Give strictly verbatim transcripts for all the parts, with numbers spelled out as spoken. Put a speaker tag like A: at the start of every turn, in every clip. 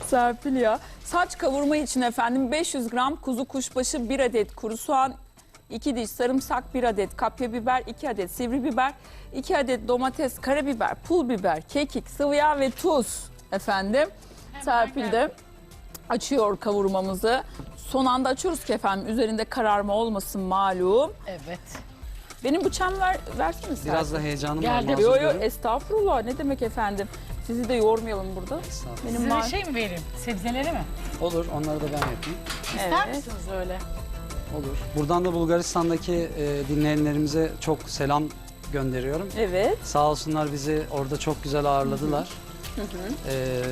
A: Serpil ya. Saç kavurma için efendim beş yüz gram kuzu kuşbaşı, bir adet kuru soğan, iki diş sarımsak, bir adet kapya biber, iki adet sivri biber, iki adet domates, karabiber, pul biber, kekik, sıvı yağ ve tuz efendim.
B: Hemen
A: Serpil de açıyor kavurmamızı. Son anda açıyoruz ki efendim üzerinde kararma olmasın malum.
B: Evet.
A: Benim bıçağımı ver, versene Serpil.
C: Biraz da heyecanım var.
B: Geldi.
C: mazur
A: Yo yo
C: görün.
A: estağfurullah, ne demek efendim. Sizi de yormayalım burada.
C: Estağfurullah.
A: Benim
B: Size
A: var.
B: bir şey mi vereyim? Sebzeleri mi?
C: Olur, onları da ben yapayım.
B: İster
A: Evet.
B: misiniz öyle?
C: Olur. Buradan da Bulgaristan'daki e, dinleyenlerimize çok selam gönderiyorum.
A: Evet.
C: Sağ olsunlar, bizi orada çok güzel ağırladılar.
A: Hı hı.
C: Ee,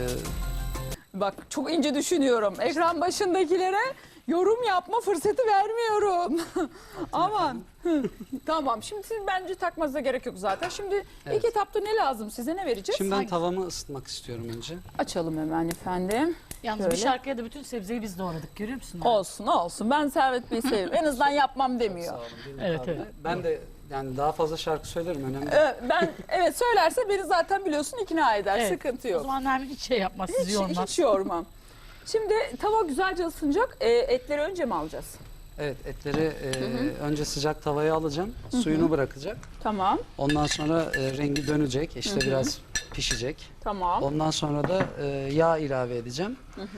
A: Bak çok ince düşünüyorum. Ekran başındakilere yorum yapma fırsatı vermiyorum. Aman. Hı. Tamam, şimdi siz bence takmanıza gerek yok zaten. Şimdi
C: Evet.
A: ilk etapta ne lazım size, ne vereceğiz?
C: Şimdi ben
B: Hangi?
C: tavamı ısıtmak istiyorum önce.
A: Açalım hemen efendim.
B: Yalnız
A: Şöyle.
B: bir şarkıya da bütün sebzeyi biz doğradık, görüyor musun?
A: Olsun olsun, ben Servet Bey'i seviyorum. En azından yapmam demiyor.
C: Sağ olun. bir
B: Evet,
C: mukabele.
B: evet.
C: Ben de yani daha fazla şarkı söylerim, önemli.
A: Ee, ben evet söylerse beni zaten biliyorsun ikna eder,
B: Evet.
A: sıkıntı
B: O
A: yok.
B: zaman Nermin hiç şey yapmaz, sizi
A: Hiç,
B: yormaz.
A: hiç yormam. Şimdi tava güzelce ısınacak. Ee, etleri önce mi alacağız?
C: Evet, etleri e, önce sıcak tavaya alacağım. Suyunu bırakacak.
A: Tamam,
C: Ondan sonra e, rengi dönecek. İşte biraz pişecek.
A: tamam.
C: Ondan sonra da e, yağ ilave edeceğim.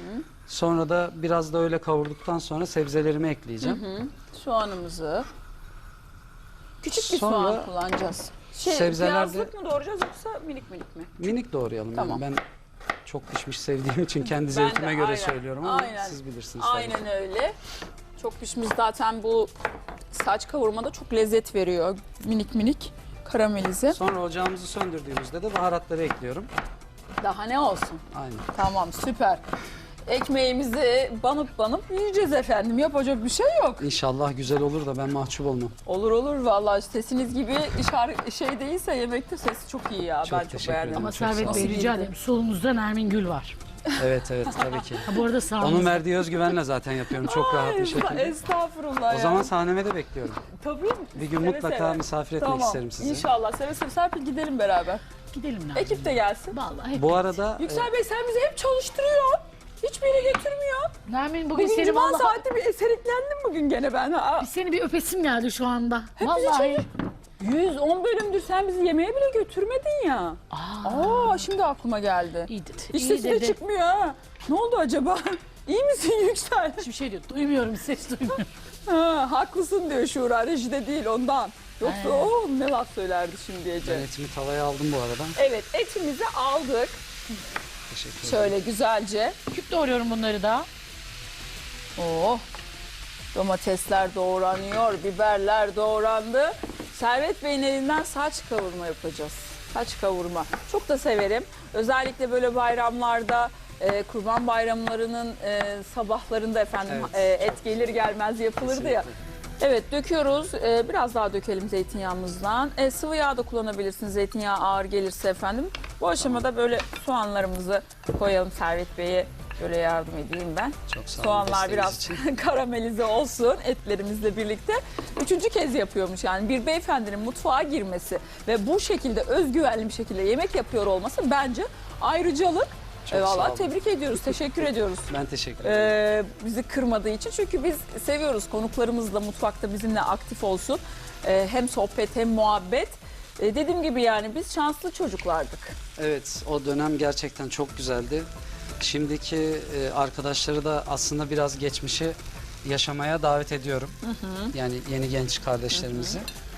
C: Sonra da biraz da öyle kavurduktan sonra sebzelerimi ekleyeceğim.
A: Hı, soğanımızı. Küçük bir
C: Sonra
A: soğan kullanacağız. Şey,
C: sebzelerde-
A: Piyazlık mı doğrayacağız yoksa minik minik mi?
C: Minik doğrayalım.
A: Tamam.
C: Yani ben çok pişmiş sevdiğim için kendi
A: Ben
C: zevkime
A: de,
C: göre
A: aynen,
C: söylüyorum ama
A: aynen.
C: siz bilirsiniz. tabii.
A: Aynen öyle. Çok pişmiş zaten, bu saç kavurmada çok lezzet veriyor. Minik minik karamelize.
C: Sonra ocağımızı söndürdüğümüzde de baharatları ekliyorum.
A: Daha ne olsun?
C: Aynen.
A: Tamam, süper. Ekmeğimizi banıp banıp yiyeceğiz efendim. Yapacak bir şey yok.
C: İnşallah güzel olur da ben mahcup olmam.
A: Olur olur vallahi, sesiniz gibi şarkı şey değilse yemekte sesi çok iyi ya.
C: Çok
A: ben çok
C: teşekkür
A: beğendim.
C: ederim.
B: Ama
C: Çok
B: Servet
C: sağ
B: Bey
A: olun.
B: rica ederim, solunuzda Nermin Gül var.
C: Evet evet tabii ki.
B: Ha, bu arada sağınızda.
C: Onun verdiği özgüvenle zaten yapıyorum çok rahat bir
A: Ay,
C: şekilde.
A: Estağfurullah
C: O
A: ya.
C: zaman sahneme de bekliyorum.
A: Tabii.
C: Bir gün
A: Seve
C: mutlaka
A: seve.
C: misafir etmek
A: Tamam.
C: isterim sizi.
A: İnşallah seve seve. Serpil gidelim beraber.
B: Gidelim Nermin.
A: Ekip de gelsin.
B: Vallahi hep.
C: Bu arada
A: Yüksel Bey sen bizi hep çalıştırıyor. Hiçbir yere götürmüyor.
B: Nermin bugün,
A: Bugün
B: seni
A: cuma
B: vallahi...
A: saati bir eseriklendim bugün gene ben. Ha.
B: Seni bir öpesim geldi şu anda.
A: bizi
B: Vallahi.
A: yüz on bölümdür sen bizi yemeğe bile götürmedin ya.
B: Aa,
A: Aa, şimdi aklıma geldi.
B: iyi dedi.
A: Hiç
B: iyi
A: sesi de
B: dedi.
A: çıkmıyor ha. Ne oldu acaba? İyi misin Yüksel?
B: Hiçbir şey diyor. Duymuyorum, ses duymuyorum.
A: Ha, haklısın diyor Şura, rejide değil ondan. Yoksa
B: He.
A: o ne laf söylerdi şimdi Ece.
C: ben etimi tavaya aldım bu arada.
A: Evet, etimizi aldık.
C: Teşekkür ederim.
A: Şöyle güzelce.
B: Küp doğruyorum bunları da.
A: Oh, domatesler doğranıyor, biberler doğrandı. Servet Bey'in elinden saç kavurma yapacağız. Saç kavurma. Çok da severim. Özellikle böyle bayramlarda, e, kurban bayramlarının e, sabahlarında efendim
C: Evet,
A: e,
C: çok
A: et gelir gelmez yapılırdı ya.
C: Kesinlikle.
A: Evet, döküyoruz. Ee, biraz daha dökelim zeytinyağımızdan. Ee, sıvı yağ da kullanabilirsiniz zeytinyağı ağır gelirse efendim. Bu aşamada böyle soğanlarımızı koyalım. Servet Bey'e böyle yardım edeyim ben.
C: Çok sağ olun
A: Soğanlar
C: desteğiniz
A: biraz
C: için.
A: karamelize olsun etlerimizle birlikte. Üçüncü kez yapıyormuş yani bir beyefendinin mutfağa girmesi ve bu şekilde özgüvenli bir şekilde yemek yapıyor olması bence ayrıcalık.
C: Çok
A: Ee,
C: sağ
A: vallahi
C: olun.
A: tebrik ediyoruz, teşekkür ediyoruz.
C: Ben teşekkür ederim.
A: Ee, bizi kırmadığı için, çünkü biz seviyoruz konuklarımız da mutfakta bizimle aktif olsun. Ee, hem sohbet hem muhabbet. Ee, dediğim gibi yani biz şanslı çocuklardık.
C: Evet, o dönem gerçekten çok güzeldi. Şimdiki e, arkadaşları da aslında biraz geçmişi yaşamaya davet ediyorum. Yani yeni genç kardeşlerimizi.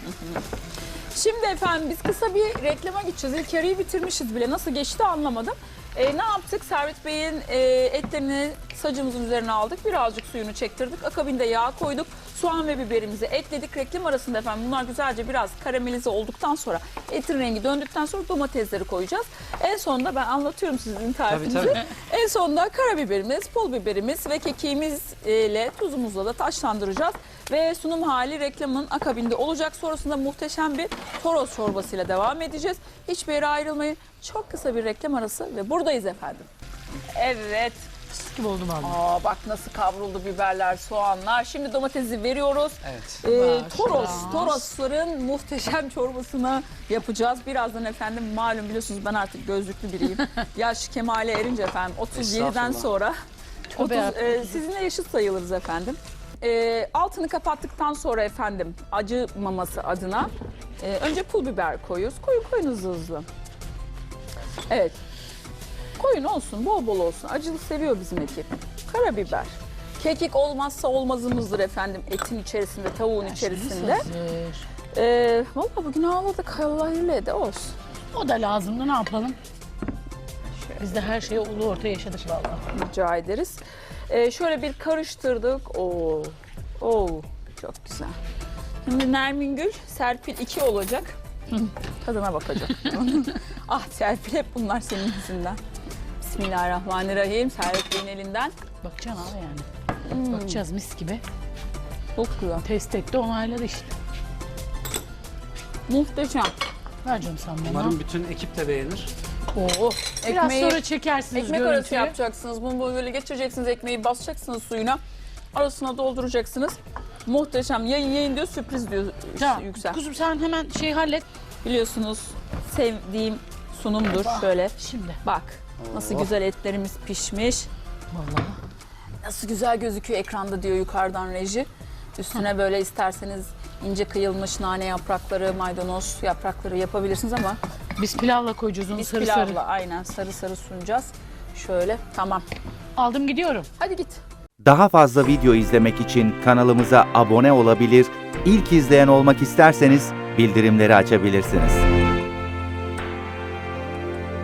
A: Şimdi efendim biz kısa bir reklama gideceğiz. İlk yarıyı bitirmişiz bile. Nasıl geçti anlamadım. Ee, ne yaptık? Servet Bey'in e, etlerini sacımızın üzerine aldık. Birazcık suyunu çektirdik. Akabinde yağ koyduk. Soğan ve biberimizi ekledik. Reklam arasında efendim bunlar güzelce biraz karamelize olduktan sonra, etin rengi döndükten sonra domatesleri koyacağız. En sonunda ben anlatıyorum sizin tarifinizi.
C: Tabii, tabii.
A: En sonunda karabiberimiz, pul biberimiz ve kekiğimizle tuzumuzla da taşlandıracağız. Ve sunum hali reklamın akabinde olacak. Sonrasında muhteşem bir toros çorbasıyla devam edeceğiz. Hiçbir yere ayrılmayın. Çok kısa bir reklam arası ve buradayız efendim. Evet,
B: Fıstık gibi oldu vallahi.
A: Aa bak nasıl kavruldu biberler, soğanlar. Şimdi domatesi veriyoruz.
C: Evet.
A: Ee,
B: Baş,
A: toros,
B: baş.
A: torosların muhteşem çorbasını yapacağız. Birazdan efendim malum biliyorsunuz ben artık gözlüklü biriyim. Yaş kemale erince efendim otuz yediden
C: Estağfurullah.
A: sonra otuz,
B: Tövbe
A: e, sizinle yaşıt sayılırız efendim. E, altını kapattıktan sonra efendim acımaması adına e, önce pul biber koyuyoruz. Koyun koyun hızlı hızlı. Evet. Koyun olsun, bol bol olsun. Acılı seviyor bizim ekip. Karabiber. Kekik olmazsa olmazımızdır efendim etin içerisinde, tavuğun içerisinde.
B: Hazır.
A: Ee, Valla bugün ağladık. Allah ile de olsun.
B: O da lazımdı, ne yapalım? Biz de her şeyi ulu orta yaşadık vallahi.
A: Rica ederiz. Ee, şöyle bir karıştırdık. Oo, oo, çok güzel. Şimdi Nermin Gül, Serpil iki olacak. Tadına bakacak. Ah Serpil hep bunlar senin yüzünden. Bismillahirrahmanirrahim. Serpil Bey'in elinden.
B: Bakacaksın abi yani. Bakacağız mis gibi.
A: Çok güzel.
B: Test etti, onayladı işte.
A: Muhteşem.
B: Ver canım sen bana.
C: Umarım bütün ekip de beğenir.
A: Oo,
B: Biraz
A: ekmeği,
B: sonra çekersiniz
A: ekmek arası
B: görüntüyü.
A: yapacaksınız. Bunu böyle geçireceksiniz. Ekmeği basacaksınız suyuna. Arasına dolduracaksınız. Muhteşem. Yayın yayın diyor, sürpriz diyor
B: Tamam.
A: Yüksel.
B: Kuzum sen hemen şey hallet.
A: Biliyorsunuz sevdiğim sunumdur. Şöyle
B: Şimdi.
A: bak nasıl
C: Oh.
A: güzel etlerimiz pişmiş.
B: Vallahi.
A: Nasıl güzel gözüküyor ekranda diyor yukarıdan reji. Üstüne böyle isterseniz ince kıyılmış nane yaprakları, maydanoz yaprakları yapabilirsiniz ama
B: Biz pilavla koyacağız onu
A: biz
B: sarı
A: pilavla
B: sarı.
A: aynen sarı sarı sunacağız. Şöyle tamam.
B: Aldım gidiyorum.
A: Hadi git.
D: Daha fazla video izlemek için kanalımıza abone olabilir, ilk izleyen olmak isterseniz bildirimleri açabilirsiniz.